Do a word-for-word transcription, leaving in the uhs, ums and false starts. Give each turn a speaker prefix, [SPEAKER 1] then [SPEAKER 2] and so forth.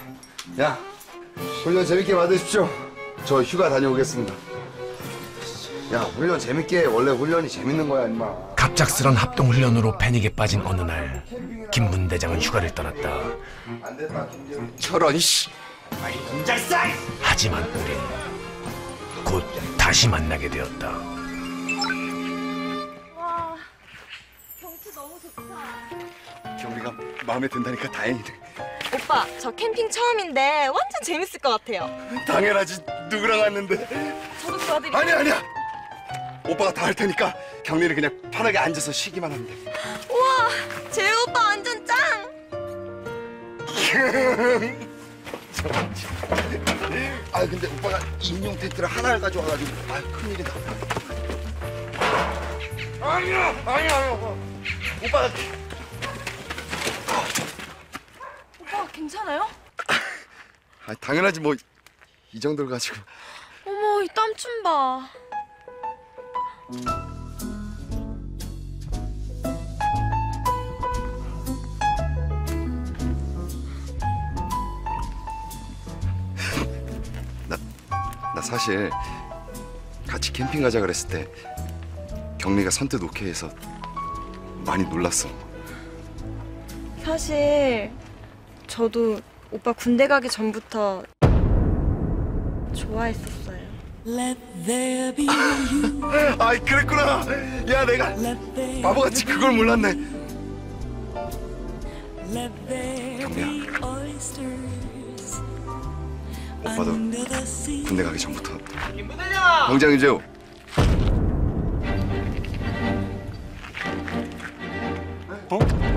[SPEAKER 1] 야, 훈련 재밌게 받으십시오. 저 휴가 다녀오겠습니다. 야, 훈련 재밌게 해. 원래 훈련이 재밌는 거야, 임마.
[SPEAKER 2] 갑작스런 합동훈련으로 패닉에 빠진 어느 날 김문 대장은 휴가를 떠났다.
[SPEAKER 1] 안 됐다, 김재훈.
[SPEAKER 3] 저런 씨.
[SPEAKER 2] 하지만 우린 곧 다시 만나게 되었다.
[SPEAKER 4] 와, 경치 너무 좋다.
[SPEAKER 3] 경리가 마음에 든다니까 다행이네.
[SPEAKER 4] 오빠, 저 캠핑 처음인데 완전 재밌을 것 같아요.
[SPEAKER 3] 당연하지. 누구랑 왔는데?
[SPEAKER 4] 저도 도와드릴게요.
[SPEAKER 3] 아니야 아니야. 오빠가 다 할 테니까 경리는 그냥 편하게 앉아서 쉬기만 하면 돼.
[SPEAKER 4] 우와, 제 오빠 완전 짱!
[SPEAKER 3] 아 근데 오빠가 인용 텐트를 하나를 가져와가지고 아 큰일이다. 아니야 아니야 아니야. 오빠가
[SPEAKER 4] 오빠 괜찮아요?
[SPEAKER 3] 아 당연하지 뭐 이 정도를 가지고.
[SPEAKER 4] 어머, 이 땀 좀 봐.
[SPEAKER 3] 나, 나 사실 같이 캠핑 가자 그랬을 때 경리가 선뜻 오케이해서 많이 놀랐어.
[SPEAKER 4] 사실 저도 오빠 군대 가기 전부터 좋아했었어요.
[SPEAKER 3] 아이 그랬구나. 야 내가 바보같이 그걸 몰랐네. 경리야, 오빠도 군대 가기 전부터 병장 유재호. 어?